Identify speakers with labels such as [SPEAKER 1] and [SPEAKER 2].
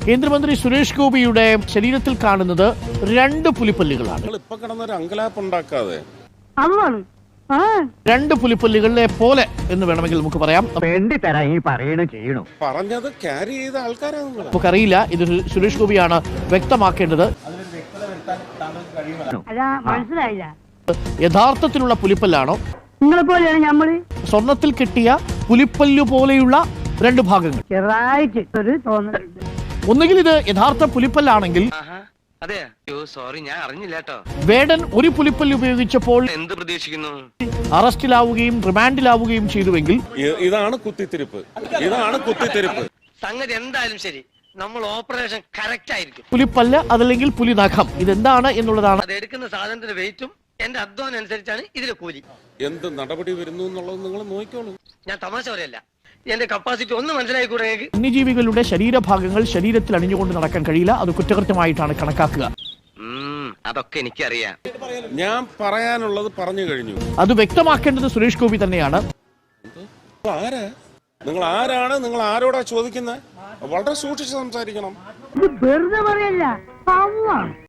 [SPEAKER 1] കേന്ദ്രമന്ത്രി സുരേഷ് ഗോപിയുടെ ശരീരത്തിൽ കാണുന്നത് 2 പുലിപ്പല്ലുകളാണ്.
[SPEAKER 2] ഇപ്പൊ കിടന്നൊരു അങ്കലാപ്പ് ഉണ്ടാക്കാതെ
[SPEAKER 1] 2 പുലിപ്പല്ലുകളെ പോലെ എന്ന് വേണമെങ്കിൽ നമുക്ക് പറയാം.
[SPEAKER 2] പറഞ്ഞത് ക്യാരി ചെയ്ത ആൾക്കാരാണ്.
[SPEAKER 1] നമുക്കറിയില്ല, ഇത് സുരേഷ് ഗോപിയാണ് വ്യക്തമാക്കേണ്ടത്. യഥാർത്ഥത്തിലുള്ള പുലിപ്പല്ലാണോ, സ്വർണത്തിൽ കിട്ടിയ പുലിപ്പല്ലു പോലെയുള്ള 2 ഭാഗങ്ങൾ? ഒന്നുകിൽ ഇത് യഥാർത്ഥ പുലിപ്പല്ലാണെങ്കിൽ വേടൻ ഒരു പുലിപ്പല്ല് ഉപയോഗിച്ചപ്പോൾ
[SPEAKER 3] എന്ത് പ്രതീക്ഷിക്കുന്നു,
[SPEAKER 1] അറസ്റ്റിലാവുകയും റിമാൻഡിലാവുകയും ചെയ്തുവെങ്കിൽ
[SPEAKER 2] ഇതാണ് കുത്തിത്തിരിപ്പ്.
[SPEAKER 3] സംഗതി എന്തായാലും ശരി, നമ്മൾ ഓപ്പറേഷൻ കറക്റ്റ് ആയിരിക്കും.
[SPEAKER 1] പുലിപ്പല്ല് അതല്ലെങ്കിൽ പുലിനഖം ഇതെന്താണ് എന്നുള്ളതാണ്.
[SPEAKER 3] അത് എടുക്കുന്ന സാധനത്തിന്റെ വെയിറ്റും എന്റെ അധ്വാനം അനുസരിച്ചാണ് ഇതിലെ കൂലി.
[SPEAKER 2] എന്ത് നടപടി വരുന്നു എന്നുള്ളത് നിങ്ങൾ നോക്കിക്കോളൂ.
[SPEAKER 3] ഞാൻ തമാശ പറയല്ല, എന്റെ കപ്പാസിറ്റി ഒന്ന് മനസ്സിലായിക്കൂടെ?
[SPEAKER 1] വന്യജീവികളുടെ ശരീരഭാഗങ്ങൾ ശരീരത്തിൽ അണിഞ്ഞുകൊണ്ട് നടക്കാൻ കഴിയില്ല. അത് കുറ്റകൃത്യമായിട്ടാണ് കണക്കാക്കുക.
[SPEAKER 3] അതൊക്കെ എനിക്കറിയാം.
[SPEAKER 2] ഞാൻ പറയാനുള്ളത് പറഞ്ഞു കഴിഞ്ഞു.
[SPEAKER 1] അത് വ്യക്തമാക്കേണ്ടത് സുരേഷ് ഗോപി തന്നെയാണ്.
[SPEAKER 2] നിങ്ങൾ ആരാണ്? നിങ്ങൾ ആരോടാ ചോദിക്കുന്നത്? വളരെ സൂക്ഷിച്ച് സംസാരിക്കണം.
[SPEAKER 4] വെറുതെ പറയല്ല.